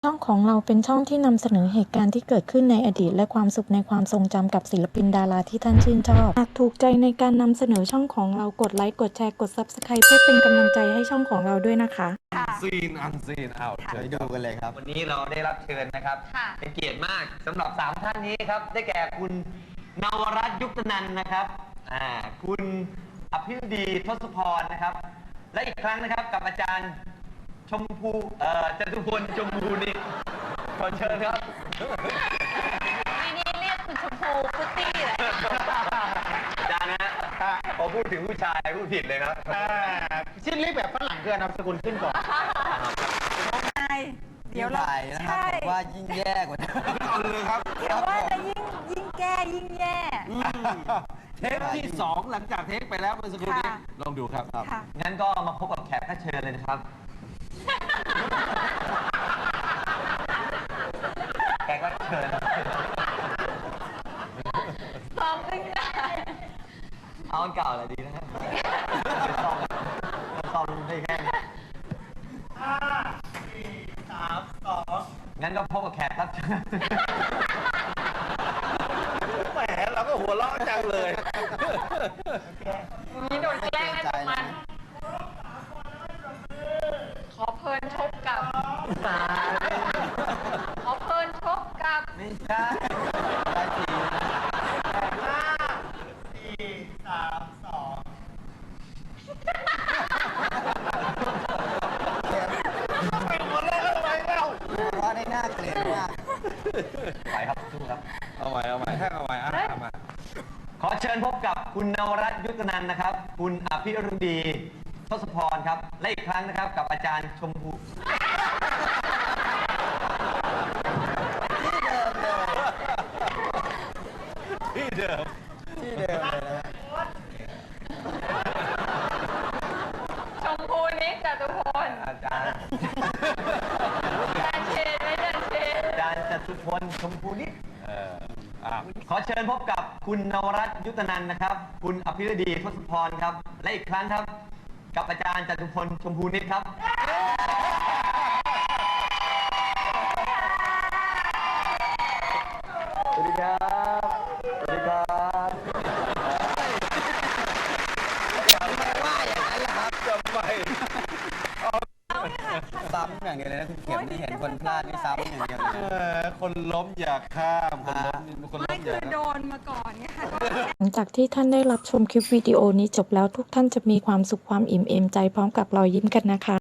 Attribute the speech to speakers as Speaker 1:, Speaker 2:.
Speaker 1: ช่องของเราเป็นช่องที่นำเสนอเหตุการณ์ที่เกิดขึ้นในอดีตและความสุขในความทรงจำกับศิลปินดาราที่ท่านชื่นชอบหากถูกใจในการนำเสนอช่องของเรากดไลค์กดแชร์กด Subscribe เพื่อเป็นกำลังใจให้ช่องของเราด้วยนะคะ
Speaker 2: อันซีนเอา
Speaker 3: ไปดูกันเลยครับ
Speaker 2: วันนี้เราได้รับเชิญนะครับเป็นเกียรติมากสำหรับ3ท่านนี้ครับได้แก่คุณนวรัตน์ยุคตนันท์นะครับคุณอภิรดีทศพรนะครับและอีกครั้งนะครับกับอาจารย์ชมพูจตุพลชมพูนิขอเชิญครับ
Speaker 4: ทีนี้เรียกคุณชมพูฟุตตี้เลย
Speaker 2: อาจารย์นะพอพูดถึงผู้ชายพูดผิดเลยครับ
Speaker 3: ชื่อเรียกแบบฝรั่งคือนามสกุลขึ้นก่อน
Speaker 4: เดี๋ยวเรา
Speaker 3: นะครับผมว่ายิ่งแย่กว่านี้
Speaker 2: เลยครับ
Speaker 4: เดี๋ยวว่าจะยิ่งแก้ยิ่งแย่
Speaker 2: เทปที่2หลังจากเทปไปแล้วเมื่อสักครู่นี้ลองดูครับงั้นก็มาพบกับแขกรับเชิญเลยนะครับแขกรับเชิญ
Speaker 4: ซ้อมขึ้นได้
Speaker 2: เอาอันเก่าอะไรดีนะครับซ้อมได้แค่งั้นก็พบกับแขกรับเชิญแหมเราก็หัวเราะจังเลย
Speaker 4: มีโดนแกล้งให้มันขอเพลินชกกับขอเพลินชกกับ
Speaker 2: ไม่ใช่ได้ที
Speaker 3: ว่าได้น่าเกลียดมาก
Speaker 2: ไปครับสู้ครับเอาใหม่แท่งเอาใหม่ขอเชิญพบกับคุณนวรัตน์ยุคตนันท์นะครับคุณอภิรดีทศพรครับและอีกครั้งนะครับกับอาจารย์ชมพูที่เดิม
Speaker 3: เลยนะ
Speaker 4: ชมพูนิจตุพล
Speaker 2: อาจารย์
Speaker 4: เชนไม่ได้เชน
Speaker 2: อาจารย์จตุพลชมพูนิจขอเชิญพบกับคุณนวรัตน์ยุคตนันท์นะครับคุณอภิรดีทศพรครับและอีกครั้งครับกับอาจารย์จตุพลชมพูนิจครับสวัสดีครับสวัสดีครับ
Speaker 3: ว่าอย่างนั้นแหละครับ
Speaker 2: ทำไม
Speaker 3: ซ้ำอย่างเดียวเลยนะคุณเข็มที่เห็นคนพลาดนี่ซ้ำอย่างเดียวเลย
Speaker 2: คนล้มอย่าข้ามคนล้ม
Speaker 4: ไม่คือโดนมาก่อนไงค่ะ
Speaker 1: หลังจากที่ท่านได้รับชมคลิปวิดีโอนี้จบแล้วทุกท่านจะมีความสุขความอิ่มเอมใจพร้อมกับรอยยิ้มกันนะคะ